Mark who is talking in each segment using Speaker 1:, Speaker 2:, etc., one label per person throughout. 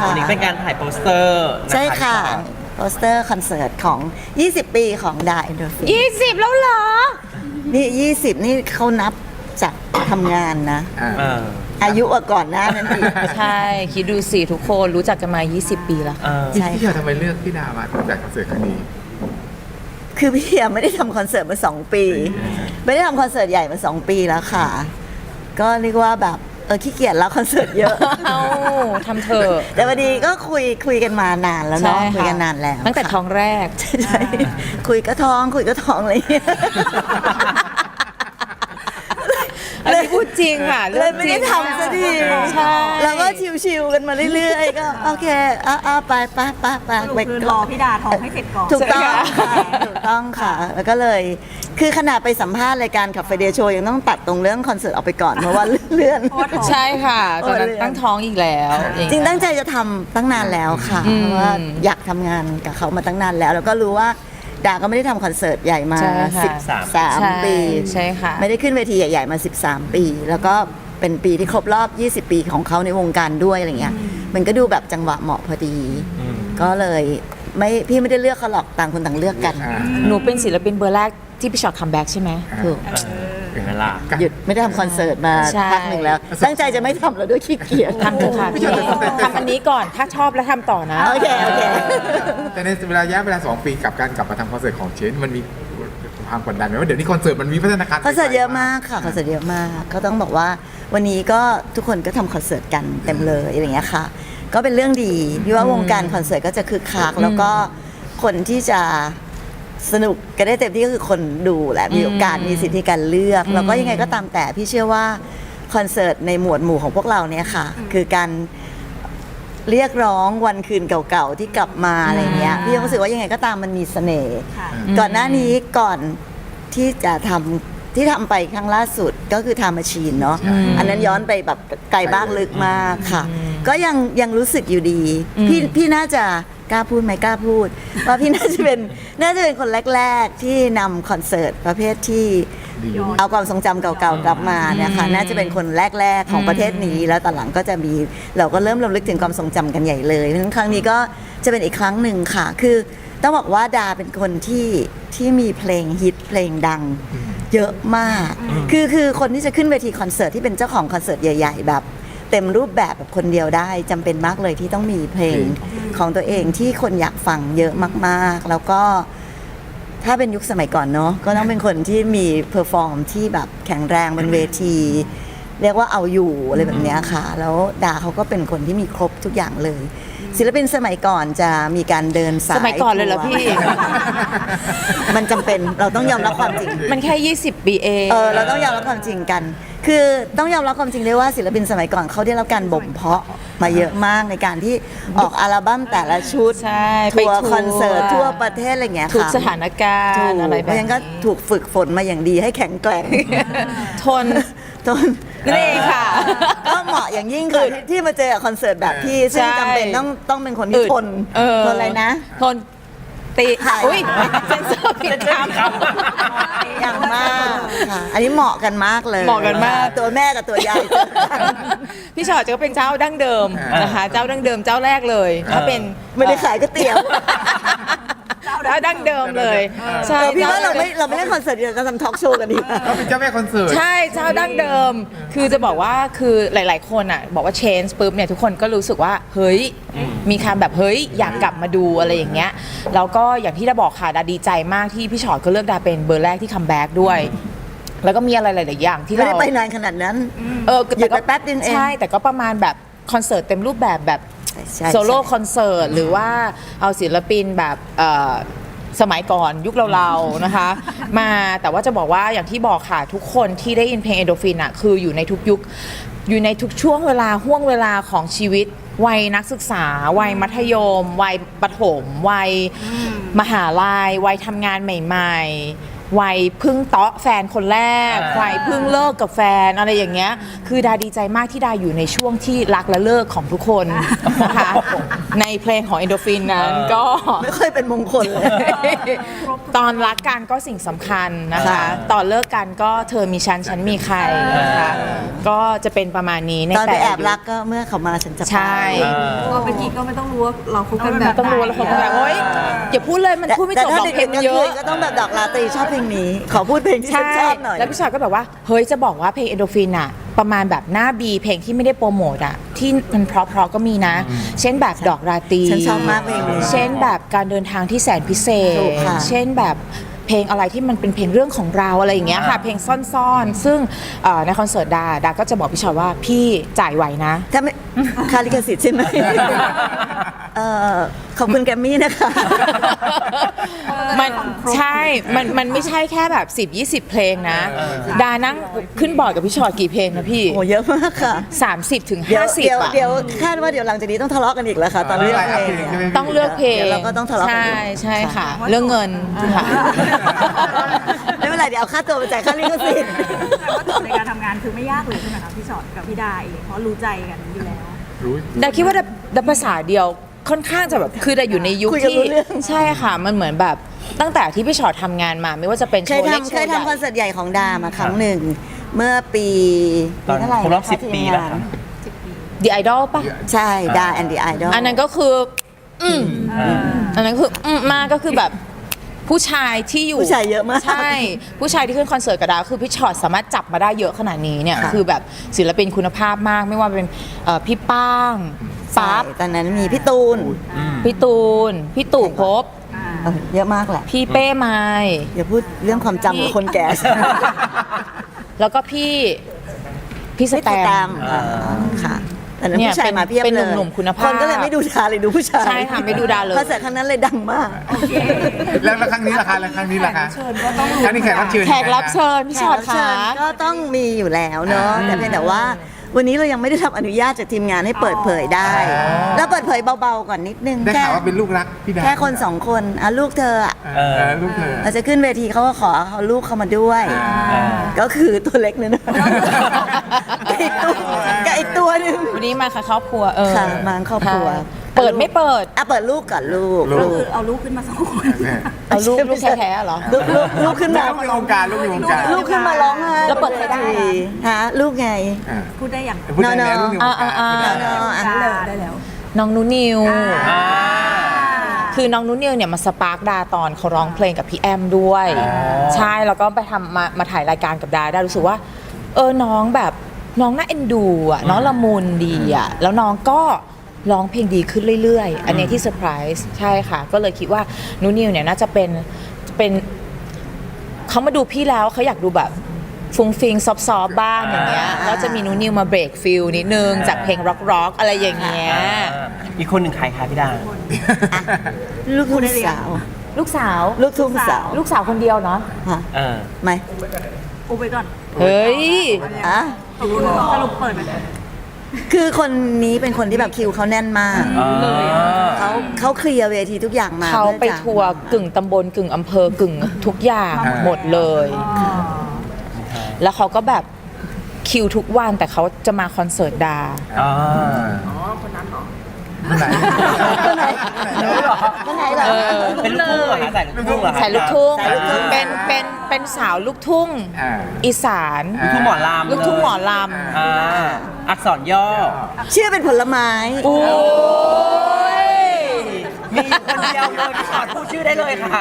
Speaker 1: ค่ะ
Speaker 2: วันนี้เป็นการถ่ายโปสเตอร์น
Speaker 1: ใช่ค่ะโปสเตอร์คอนเสิร์ตของ 20 ปีของดาเอนโดฟิน
Speaker 3: 20 แล้วเหรอ
Speaker 1: นี่ 20 นี่เขานับจากทำงานนะ
Speaker 2: เออ
Speaker 1: อายุก่อนหน้านั้นอีก
Speaker 3: ใช่ คิดดูสิทุกคนรู้จักกันมา 20 ปีแล้ว
Speaker 2: เออ
Speaker 1: ใช่
Speaker 4: พี่เชียวทำไมเลือกพี่ดามาจากคอนเสิร์ตครั้งนี้
Speaker 1: คือพี่เฮียไม่ได้ทำคอนเสิร์ตมา 2 ปี ไม่ได้ทำคอนเสิร์ตใหญ่มา 2 ปีแล้วค่ะ ก็เรียกว่าแบบขี้เกียจแล้วคอนเสิร์ตเยอะ
Speaker 3: เอ้าทำเถอะ
Speaker 1: แต่วันนี้ก็คุยกันมานานแล้วเนาะ
Speaker 3: ใช่ค่ะ
Speaker 1: คุยกันนานแล้ว
Speaker 3: ตั้งแต่
Speaker 1: ค่ะ
Speaker 3: ท้องแรก
Speaker 1: ใช่คุยก็ท้องอะไรอย่างเงี้ย
Speaker 3: อันนี้พูดจริงค่ะ
Speaker 1: เลยไม่ได้ทำสักที
Speaker 3: ใช่
Speaker 1: แล้วก็ชิวๆกันมาเรื่อยๆ ก็โอเคไป
Speaker 5: คือรอพี่ดาท้องให้เสร็จก่อน
Speaker 1: ถูกต้องค่ะถูกต้องค่ะ แล้วก็เลย คือขนาดไปสัมภาษณ์รายการขับไฟเดย์โชว์ยังต้องตัดตรงเรื่องคอนเสิร์ตออกไปก่อน เพราะว่าเลื่อน
Speaker 3: ใช่ค่ะตอนนั้นตั้งท้องอีกแล้วอย่า
Speaker 1: จริง
Speaker 3: เย
Speaker 1: ตั้งใจจะทำตั้งนานแล้วค่ะ
Speaker 3: อืม
Speaker 1: เพราะว่าอยากทำงานกับเขามาตั้งนานแล้ว แล้วก็รู้ว่าดาก็ไม่ได้ทำคอนเสิร์ตใหญ่มา
Speaker 3: ใช่ค่ะ
Speaker 1: 13 ปี
Speaker 3: ใช่ค่ะ
Speaker 1: ไม่ได้ขึ้นเวทีใหญ่ๆมา 13 ปี แล้วก็เป็นปีที่ครบรอบ 20 ปีของเขาในวงการด้วยอะไรเงี้ย มันก็ดูแบบจังหวะเหมาะพอดี ก็เลยพี่ไม่ได้เลือกเขาหรอกต่างคนต่างเลือกกัน
Speaker 3: หนูเป็นศิลปินเบอร์แรกที่พี่ชอตคัมแบ็กใช่ไหม
Speaker 1: ถูก
Speaker 2: ถึงเวลา
Speaker 1: หยุดไม่ได้ทำคอนเสิร์ตมา
Speaker 3: ใช่
Speaker 1: พักหนึ่งแล้ว ตั้งใจจะไม่ทำแล้วด้วยขี้เกียจ
Speaker 3: ทำเถอะค่ะพี่ทำอันนี้ก่อนถ้าชอบแล้วทำต่อนะ
Speaker 1: โอเค
Speaker 4: แต่ในระยะเวลา 2 ปีกับการกลับมาทำคอนเสิร์ตของเชนมันมีความกดดันไหมว่าเดี๋ยวนี้คอนเสิร์ตมันมีพัฒนาการ
Speaker 1: คอนเสิร์ตเยอะมากค่ะคอนเสิร์ตเยอะมากก็ต้องบอกว่าวันนี้ก็ทุกคนก็ทำคอนเสิร์ตกันเต็มเลยอะไรอย่างเงี้ยค่ะ ก็เป็นเรื่องดีที่ว่าวงการคอนเสิร์ตก็จะคึกคักแล้วก็คนที่จะสนุกกันได้เต็มที่ก็คือคนดูแหละมีโอกาสมีสิทธิการเลือก แล้วก็ยังไงก็ตามแต่พี่เชื่อว่าคอนเสิร์ตในหมวดหมู่ของพวกเราเนี่ยค่ะ คือการเรียกร้องวันคืนเก่าๆที่กลับมาอะไรเงี้ยพี่รู้สึกว่ายังไงก็ตามมันมีเสน่ห์ก่อนหน้านี้ก่อนที่จะทำที่ทำไปครั้งล่าสุดก็คือทำมาชีนเนาะอันนั้นย้อนไปแบบไกลบ้างลึกมากค่ะ ก็ยังรู้สึกอยู่ดี พี่น่าจะกล้าพูดไหมกล้าพูด ว่าพี่น่าจะเป็นคนแรกๆที่นำคอนเสิร์ตประเภทที่เอาความทรงจำเก่าๆกลับมาเนี่ยค่ะน่าจะเป็นคนแรกๆของประเทศนี้แล้วตอนหลังก็จะมีเราก็เริ่มรำลึกถึงความทรงจำกันใหญ่เลยเพราะฉะนั้นครั้งนี้ก็จะเป็นอีกครั้งหนึ่งค่ะ คือต้องบอกว่าดาเป็นคนที่มีเพลงฮิตเพลงดังเยอะมาก คือคนที่จะขึ้นเวทีคอนเสิร์ตที่เป็นเจ้าของคอนเสิร์ตใหญ่ๆแบบเต็มรูปแบบแบบคนเดียวได้จำเป็นมากเลยที่ต้องมีเพลงของตัวเองที่คนอยากฟังเยอะมากๆ แล้วก็ถ้าเป็นยุคสมัยก่อนเนาะก็ต้องเป็นคนที่มีเพอร์ฟอร์มที่แบบแข็งแรงบนเวที เรียกว่าเอาอยู่อะไรแบบเนี้ยค่ะ แล้วดาเขาก็เป็นคนที่มีครบทุกอย่างเลย ศิลปินสมัยก่อนจะมีการเดินสาย
Speaker 3: สมัยก่อนเลยเหรอพี่
Speaker 1: มันจำเป็นเราต้องยอมรับความจริง
Speaker 3: มันแค่ 20 ปีเอง
Speaker 1: เราต้องยอมรับความจริงกัน คือต้องยอมรับความจริงด้วยว่าศิลปินสมัยก่อนเขาได้รับการบ่มเพาะมาเยอะมากในการที่ออกอัลบั้มแต่ละชุด
Speaker 3: ใช่
Speaker 1: ทัวร์
Speaker 3: ไปทัวร์
Speaker 1: คอนเสิร์ตทั่วประเทศอะไรอย่างเงี้ยค่ะ
Speaker 3: ทุกสถานการ
Speaker 1: ถูก
Speaker 3: ณ์อะไร
Speaker 1: เพ
Speaker 3: แบบ
Speaker 1: ราะฉะนั้นก็
Speaker 3: นี้
Speaker 1: ถูกฝึกฝนมาอย่างดีให้แข็งแกร่ง
Speaker 3: ทน
Speaker 1: จน
Speaker 3: นั่นเองค่ะ
Speaker 1: ก็เหมาะอย่างยิ่งค่ะที่มาเจอกับคอนเสิร์ตแบบพี่ซึ่ง
Speaker 3: ใช่
Speaker 1: จำเป็นต้องเป็นคนที่ทนทนอะไรนะ
Speaker 3: ทนตี
Speaker 1: ถ่าย
Speaker 3: อุ้ยเซนเซอร์ผิดค
Speaker 1: อย่างมากค่ะ อันนี้เหมาะกันมากเลย
Speaker 3: เหมาะกันมาก
Speaker 1: ตัวแม่กับตัวยาย
Speaker 3: ำพี่ชอตจะเป็นเจ้าดั้งเดิมนะคะเจ้าดั้งเดิมเจ้าแรกเลย ถ้าเป็น
Speaker 1: ไม่ได้ขายก๋วยเตี๋ยว
Speaker 3: เจ้าดั้งเดิมเลยใช่
Speaker 1: พี่ว่าเราไม่เล่นคอนเสิร์ตเดียวกันทำทอล์กโชว์กันดีกว่า
Speaker 4: เขาเป็นเจ้าแม่คอนเสิร์ต
Speaker 3: ใช่เจ้าดั้งเดิม คือจะบอกว่าคือหลาย ๆ คนอ่ะบอกว่า change ปุ๊บเนี่ยทุกคนก็รู้สึกว่าเฮ้ยมีคำแบบเฮ้ยอยากกลับมาดูอะไรอย่างเงี้ยแล้วก็อย่างที่ดาบอกค่ะดาดีใจมากที่พี่ชอตก็เลือกดาเป็นเบอร์แรกที่คัมแบ็กด้วย แล้วก็มีอะไรหลาย ๆ อย่างที่
Speaker 1: ไม่
Speaker 3: เรา
Speaker 1: ได้ไปนานขนาดนั้น หยุดไปแป๊บนึงเอง
Speaker 3: ใช่แต่ก็ประมาณแบบคอนเสิร์ตเต็มรูปแบบแบบ
Speaker 1: ใช่
Speaker 3: โซโล่คอนเสิร์ตหรือว่าเอาศิลปินแบบสมัยก่อนยุคเราๆนะคะ มาแต่ว่าจะบอกว่าอย่างที่บอกค่ะทุกคนที่ได้ยินเพลงเอโดฟินอ่ะคืออยู่ในทุกยุคอยู่ในทุกช่วงเวลาห่วงเวลาของชีวิตวัยนักศึกษาวัยมัธยมวัยประถมวัยมหาลัยวัยทำงานใหม่ๆวัยเพึ่งเตาะแฟนคนแรกวัยเพึ่งเลิกกับแฟนอะไรอย่างเงี้ยคือดาดีใจมากที่ดาอยู่ในช่วงที่รักและเลิกของทุกคนนะคะในเพลงของเอนโดฟินนั้นก็
Speaker 1: ไม่ค่อยเป็นมงคลเลย
Speaker 3: ตอนรักกันก็สิ่งสำคัญนะคะ
Speaker 1: ค่ะ
Speaker 3: ตอนเลิกกันก็เธอมีฉันฉันมีใครนะคะก็จะเป็นประมาณนี้ใน
Speaker 1: ตอนไป
Speaker 3: แต่
Speaker 1: แอบรักก็เมื่อเขามาฉันจะไป
Speaker 3: ใช่
Speaker 5: พอเป็นกิ๊กก็ไม่ต้องรู้ว่าเราคบกันแบบ
Speaker 3: ต้องรู้แล้วคนก็แบบโอ๊ยอย่าพูดเลยมันพูดไม่จบหรอกเพลงมันเยอะ
Speaker 1: ก็ต้องแบบดอกลาตรีชอบเพลงนี้ ขอพูดเพลงที่ฉัน
Speaker 3: ใช่
Speaker 1: ชอบหน่อย
Speaker 3: แล้วพี่ชอยก็แบบว่าเฮ้ยจะบอกว่าเพลงเอนโดฟินอะประมาณแบบหน้าบีเพลงที่ไม่ได้โปรโมทอะที่มันเพราะๆก็มีนะ เช่นแบบดอกราตรี
Speaker 1: ฉันชอบมากเพลงนี้
Speaker 3: เช่นแบบการเดินทางที่แสนพิเศ
Speaker 1: ถู
Speaker 3: ษ
Speaker 1: กค่ะ
Speaker 3: เช่นแบบเพลงอะไรที่มันเป็นเพลงเรื่องของเราอะไรอย่างเงี้ยค่ะ เพลงซ่อนๆ ซึ่งในคอนเสิร์ตดาก็จะบอกพี่ชอยว่าพี่จ่ายไหวนะ
Speaker 1: ถ้าไม่คาลิกสิทธิ์ใช่ไหมขอบคุณแกรมมี่นะคะ
Speaker 3: มันใช่ มันไม่ใช่แค่แบบ10-20 เพลงนะ ดานั่งขึ้นบอร์ดกับพี่ชอยกี่เพลงนะพี่
Speaker 1: โอ้เยอะมากค่ะ
Speaker 3: 30 ถึง
Speaker 1: เดี๋ยว
Speaker 3: 50 อ่ะ
Speaker 1: เดี๋ยวคาดว่าเดี๋ยวหลังจากนี้ต้องทะเลาะกันอีกแล้วค่ะ ตอนเลือกเพลงเนี่ย
Speaker 3: ต้องเลือกเพลง
Speaker 1: เดี๋ยวเราก็ต้องทะเลาะกัน
Speaker 3: ใช่
Speaker 1: อีก
Speaker 3: ใช่ค่ะ เรื่องเงินค่ะ
Speaker 1: ไม่เป็นไรเดี๋ยวเอาค่าตัวไปจ่ายค่าลิขสิทธิ์
Speaker 5: แต่ว่าในการทำงานคือไม่ยากเลยใช่ไหมคะพี่ชอตกับพี่ดาเองเพราะรู้ใจกันอยู่แล้ว
Speaker 4: รู้
Speaker 3: ดาคิดว่าดาภาษาเดียวค่อนข้างจะแบบคือดาอยู่ในยุค
Speaker 1: คุยกัน
Speaker 3: ที่
Speaker 1: รู้เรื่อง
Speaker 3: ใช่ค่ะ มันเหมือนแบบตั้งแต่ที่พี่ชอตทำงานมาไม่ว่าจะเป็นโช
Speaker 1: เคย
Speaker 3: ว์เล็กโช
Speaker 1: ทำเคย
Speaker 3: ว์ใหญ่
Speaker 1: ทำคอนเสิร์ตใหญ่ของดามาครั้งหนึ่ง เมื่อปี
Speaker 2: ตอน
Speaker 1: เท่าไหร่
Speaker 2: ครบรอบ
Speaker 1: นะะ
Speaker 2: 10 ปี
Speaker 1: ทีม
Speaker 2: แล้ว
Speaker 1: งาน
Speaker 2: ครับ
Speaker 3: The Idol ป่ะ
Speaker 1: ใช่ดาแอนดี้ไอดอล
Speaker 3: อันนั้นก็คืออันนั้นคือมากก็คือแบบผู้ชายที่อยู่
Speaker 1: ผู้ชายเยอะมาก
Speaker 3: ใช่ ผู้ชายที่ขึ้นคอนเสิร์ตกับดาวคือพี่ชอตสามารถจับมาได้เยอะขนาดนี้เนี่ยคือแบบศิลปินคุณภาพมากไม่ว่าเป็นพี่ป้างปั๊บ
Speaker 1: ตอนนั้นมีพี่ตูน
Speaker 3: พี่ตูน พี่ตู่ภพบ
Speaker 1: เยอะมากแหละ
Speaker 3: พี่เป้ไม้
Speaker 1: อย่าพูดเรื่องความจำของคนแก่
Speaker 3: แล้วก็พี่สแตม
Speaker 1: ค่ะแต่นั้น
Speaker 3: เนี่ย
Speaker 1: ผู้ชายมาเพียบ
Speaker 3: เป็น
Speaker 1: เลย
Speaker 3: หนุ่มๆคุณภาพ
Speaker 1: คนก็เลยไม่ดูดาเลยดูผู้ชาย
Speaker 3: ใช่ค่ะไม่ดูดาเลย
Speaker 1: คอนเสิร์ตครั้งนั้นเลยดังมาก
Speaker 4: แล้วครั้งนี้ล่ะคะแล้วครั้งนี้ล่ะคะครั้งนี้แขกรับเชิญ
Speaker 3: แขกรับเชิญพี่ชอต
Speaker 1: แขกรับเชิ
Speaker 3: ค่ะ
Speaker 1: ญก็ต้องมีอยู่แล้วเนาะแต่เพียงแต่ว่าวันนี้เรายังไม่ได้รับอนุญาตจากทีมงานให้เปิดเผยได้ แล้วเปิดเผยเบาๆก่อนนิดนึง
Speaker 4: ได้ข่าวว่าเป็นลูกรักพี่ดา
Speaker 1: แค่คนสองคนอ่ะลูกเธออ่ะ
Speaker 4: ลูกเธอ
Speaker 1: เราจะขึ้นเวทีเขาก็ขอเอาลูกเข้ามาด้วย ก็คือตัวเล็กนึงนะกับอีกตัวหนึง
Speaker 3: วันนี้มาค่ะครอบครัว
Speaker 1: ค่ะมาครอบครัว
Speaker 3: เปิดไม่เปิด
Speaker 1: อ่ะเปิดลูกก่อนลูก
Speaker 5: ก็คือเอาลูกขึ้นมา2 คน
Speaker 3: เอาลูกแท้ๆเหรอ
Speaker 1: ลูกขึ้นมา
Speaker 4: ลูกในวงการลูกในวงการ
Speaker 1: ลูกขึ้นมาร้องไห้
Speaker 3: แล้วเปิดใครได้อะ
Speaker 1: ฮะลูกไง
Speaker 5: พูดได้อย่าง
Speaker 4: พูดได้แล้วลูกในวงการ
Speaker 5: ได้แล้ว
Speaker 3: น้องนุนิว
Speaker 2: อ่า
Speaker 3: คือน้องนุนิวเนี่ยมาสปาร์กดาตอนเขาร้องเพลงกับพี่แอมด้วย ใช่แล้วก็ไปทำมาถ่ายรายการกับดาได้รู้สึกว่าน้องแบบน้องน่าเอ็นดูอ่ะน้องละมุนดีอ่ะแล้วน้องก็ร้องเพลงดีขึ้นเรื่อยๆ อันนี้ที่เซอร์ไพรส์ใช่ค่ะ ก็เลยคิดว่านุนิวเนี่ยน่าจะเป็นเขามาดูพี่แล้วเขาอยากดูแบบฟุ้งฟิงซอฟต์ๆบ้างอย่างเงี้ยแล้วจะมีนุนิวมาเบรกฟิลนิดนึงจากเพลงร็อกๆอะไรอย่างเงี้ย
Speaker 2: อีกคนหนึ่งใครคะพี่ดา
Speaker 1: ลูกทุ่งสาว
Speaker 3: ลูกสาว
Speaker 1: ลูกทุ่งสาว
Speaker 3: ลูกสาวคนเดียวเนาะ
Speaker 1: ฮะ
Speaker 2: เออ
Speaker 1: ไหม
Speaker 5: อุบไปก่อน
Speaker 3: เฮ้ย
Speaker 1: อ่ะ
Speaker 5: สรุปเปิดไหม
Speaker 1: คือคนนี้เป็นคนที่แบบคิวเขาแน่นมาก เขาเคลียร์เวทีทุกอย่างมา
Speaker 3: เขาไป
Speaker 1: พื่อจะ
Speaker 3: ทัวร์กึ่งตำบลกึ่งอำเภอกึ่งทุกอย่างหมดเลย แล้วเขาก็แบบคิวทุกวันแต่เขาจะมาคอนเสิร์ตดา
Speaker 4: คนไหน
Speaker 1: คนไหนคนไหนเหรอ
Speaker 2: เป็นลูกทุ่งเหรอคะใส่ลูกทุ่งเหรอคะ
Speaker 3: สายลูกทุ่ง
Speaker 1: สายลูกทุ่ง
Speaker 3: เป็นสาวลูกทุ่ง อีสาน
Speaker 2: ลูกทุ่งหมอลำ
Speaker 3: ลูกทุ่งหมอล
Speaker 2: อ่าอักษรย่อ
Speaker 1: ชื่อเป็นผลไม้
Speaker 3: ำโอ้ย
Speaker 2: มีอยู่คนเดียวเลยพี่ชอตพูดชื่อได้เลยค่ะ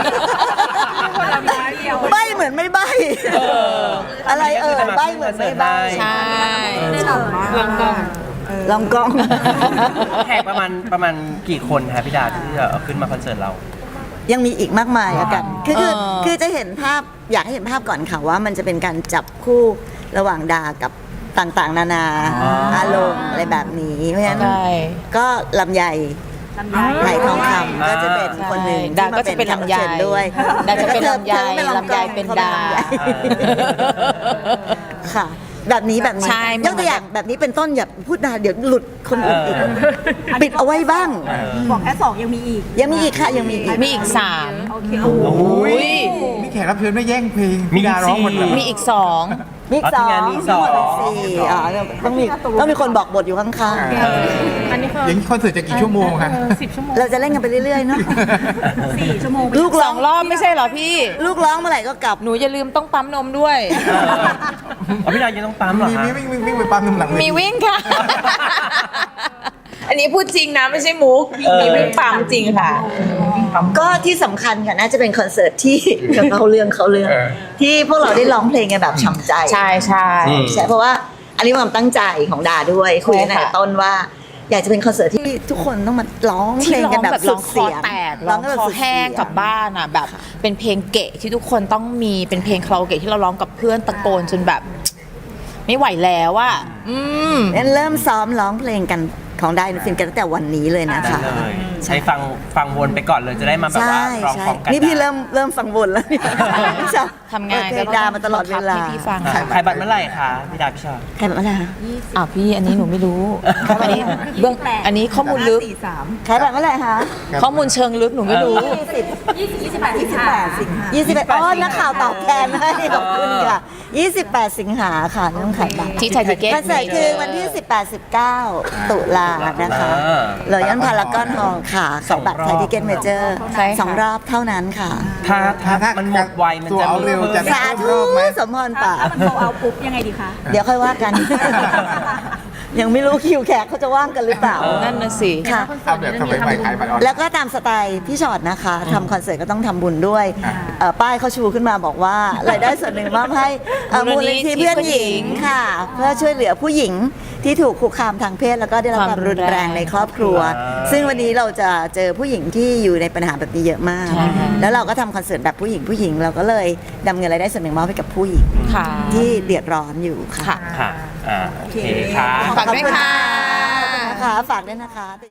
Speaker 1: ใบเหมือนไม่ใบอะไรใบเหมือนไม่ใบ
Speaker 3: ใช่
Speaker 1: ลองกล้อง
Speaker 2: แขกประมาณกี่คนคะพี่ดาที่จะเอาขึ้นมาคอนเสิร์ตเรา
Speaker 1: ยังมีอีกมากมายอะกันคือจะเห็นภาพอยากให้เห็นภาพก่อนค่ะว่ามันจะเป็นการจับคู่ระหว่างดากับต่างๆ นานาอารมณ์อะไรแบบนี้เพราะฉะนั้น
Speaker 3: ใช่
Speaker 1: ก็ลำไย
Speaker 5: ลำไย
Speaker 1: ไหลทองคำก็จะเป็นคนหนึ่ง
Speaker 3: ดาก็จะเป็นลำไย
Speaker 1: แขกรับเชิญด้วย
Speaker 3: ดาจะเป็นลำไย
Speaker 1: ธอ
Speaker 3: ลำไยเป็นดา
Speaker 1: ค่ะแบบนี้แบบนี้
Speaker 3: ใช่
Speaker 1: ยกตัวอย่างแบบนี้เป็นต้นอย่าพูดนานเดี๋ยวหลุดคนอื่นอีกปิดเอาไว้บ้าง
Speaker 5: บอกแค่2ยังมีอีก
Speaker 1: ยังมีอีกค่ะยังมีอีก
Speaker 3: มีอีก
Speaker 5: โอเคโอ้โห
Speaker 3: 3 อุ้ย
Speaker 4: นี่แขกรับเชิญไม่แย่งเพลง
Speaker 2: มี
Speaker 4: พี่ดาร้องหมดเลย
Speaker 3: มีอีก
Speaker 1: มีอีก
Speaker 2: อ๋อ
Speaker 1: สอง
Speaker 2: ทีมงานมีสอง
Speaker 1: ทั้หมดเป็นสี่ต้องมีคนบอกบทอยู่ข้าง
Speaker 5: อันนี้คือ
Speaker 4: อย่างนี้คอนเสิร์ตจะกี่ชั่วโมงคะ
Speaker 5: 10 ชั่วโมง
Speaker 1: ๆ เราจะเล่นกันไปเรื่อยๆเนาะ
Speaker 5: 4 ชั่วโมง
Speaker 1: ลูกร้อง
Speaker 3: 2 รอบไม่ใช่เหรอพี่
Speaker 1: ลูกร้องเมื่อไหร่ก็กลับ
Speaker 3: หนูอย่าลืมต้องปั๊มนมด้วย
Speaker 2: อ๋อพี่ดายังต้องปั๊มเหรอ
Speaker 4: มี
Speaker 2: คะ
Speaker 4: วิ่งไปปั๊มน้ำหลังเวที
Speaker 3: มีวิ่งค่ะ อันนี้พูดจริงนะไม่ใช่มุก มีวิ่งปั๊มจริงค่ะ
Speaker 1: ก็ที่สำคัญค่ะน่าจะเป็นคอนเสิร์ตที่ เขาเรื่องที่พวกเราได้ร้องเพลงกันแบบช้ำใจ
Speaker 3: ใช่ใช่
Speaker 1: ใช่เพราะว่าอันนี้ความตั้งใจของดาด้วยคุยกัน
Speaker 3: ใช่
Speaker 1: ตั้ง
Speaker 3: ค่ะ
Speaker 1: แต่ต้นว่า อยากจะเป็นคอนเสิร์ตที่ทุกคนต้องมาร้องเพ
Speaker 3: ที่
Speaker 1: ลง
Speaker 3: ร้อ
Speaker 1: กัน
Speaker 3: ง
Speaker 1: แบบ
Speaker 3: แบบ
Speaker 1: สุ
Speaker 3: ร้อ
Speaker 1: ด
Speaker 3: งคอ
Speaker 1: เสียง
Speaker 3: แตก
Speaker 1: ร้
Speaker 3: ร้
Speaker 1: อ
Speaker 3: อง ง
Speaker 1: กันแบบ
Speaker 3: คอ
Speaker 1: สุดเสี
Speaker 3: แห้
Speaker 1: ย
Speaker 3: ง
Speaker 1: ง
Speaker 3: กลับบ้านอ่ะแบบเป็นเพลงเกะที่ทุกคนต้องมีเป็นเพลงคาราโอเกะที่เราร้องกับเพื่อนตะโกนจนแบบ ไม่ไหวแล้วอ่ะ
Speaker 1: งั้นเริ่มซ้อมร้องเพลงกันของได้ฟินกันตั้งแต่วันนี้เลยนะคะ
Speaker 2: ได้เลยใช้ฟังวนไปก่อนเลยจะได้มาแบบว่า
Speaker 1: ใช่
Speaker 2: ร้อง
Speaker 1: ใช่
Speaker 2: พร้อมกัน
Speaker 1: นี่พี่
Speaker 2: ได้
Speaker 1: เริ่มฟังวนแล้วเนี่ยใช่
Speaker 3: ทำงาน
Speaker 1: เปิดเพลงดามาตลอดเวลา
Speaker 3: ให้พี่ฟัง
Speaker 2: อ่ะขายบัตรเมื่อไหร่คะพี่ดาพี่ชอบ
Speaker 1: ใครแบบอะไรคะ
Speaker 3: อ้าวพี่อันนี้หนูไม่รู้ อันนี้เบื้องอันนี้ข้อมูลลึก
Speaker 1: ใครแบบเมื่อไหร่คะ
Speaker 3: ข้อมูลเชิงลึกหนูไม่รู้
Speaker 5: 28 สิงหา
Speaker 1: 21อ๋อนักข่าวตอบแทนให้ขอบคุณค่ะ 28 สิงหาค่ะเรื่องขายบัตร
Speaker 3: ที่ไทยทิเก็ต
Speaker 1: คอนเสิร์ตคือวันที่ 18-19 ตุลานะคะ
Speaker 2: อ่า
Speaker 1: รอยัลพารากอนฮอลล์ค่ะ
Speaker 2: สอง
Speaker 1: บัตรไทยทิเก็ตเมเจอร์
Speaker 3: ใช่ค่ะ
Speaker 1: 2 รอบเท่านั้นค่ะ
Speaker 2: ถ้ามันหมดไวมัน
Speaker 4: ตัว
Speaker 2: จะ
Speaker 4: เอา
Speaker 2: มี
Speaker 4: เร็วจะ
Speaker 1: สาธุ
Speaker 4: ไหม
Speaker 1: สมพรป่า
Speaker 5: ถ้ามันโทรเอาปุ๊บยังไงดีคะ
Speaker 1: เดี๋ยวค่อยว่ากัน ยังไม่รู้คิวแขกเขาจะว่างกันหรือเปล่า
Speaker 3: นั่นน่ะสิ
Speaker 1: ค่ะ
Speaker 4: เอาแบบทำไมไปขายบัตรออนไลน์
Speaker 1: แล้วก็ตามสไตล์พี่ชอตนะคะทำคอนเสิร์ตก็ต้องทำบุญด้วย
Speaker 4: อ่า
Speaker 1: ป้ายเขาชูขึ้นมาบอกว่ารายได้ส่วนหนึ่งมอบให้มูลนิธิเพื่อนหญิงค่ะ เพื่อช่วยเหลือผู้หญิงที่ถูกคุกคามทางเพศแล้วก็ได้รับความรุนแรงในครอบครัว ซึ่งวันนี้เราจะเจอผู้หญิงที่อยู่ในปัญหาแบบนี้เยอะมาก
Speaker 3: ใช่ค่ะ
Speaker 1: แล้วเราก็ทำคอนเสิร์ตแบบผู้หญิงเราก็เลยนำเงินรายได้ส่วนหนึ่งมอบให้กับผู้หญิง
Speaker 3: ค่ะ
Speaker 1: ที่เดือดร้อนอยู่ค่ะ
Speaker 3: ค่ะ
Speaker 2: ค่ะโอเคค่ะ
Speaker 3: ฝากด้วยค่ะ
Speaker 1: นะคะฝากด้วยนะคะ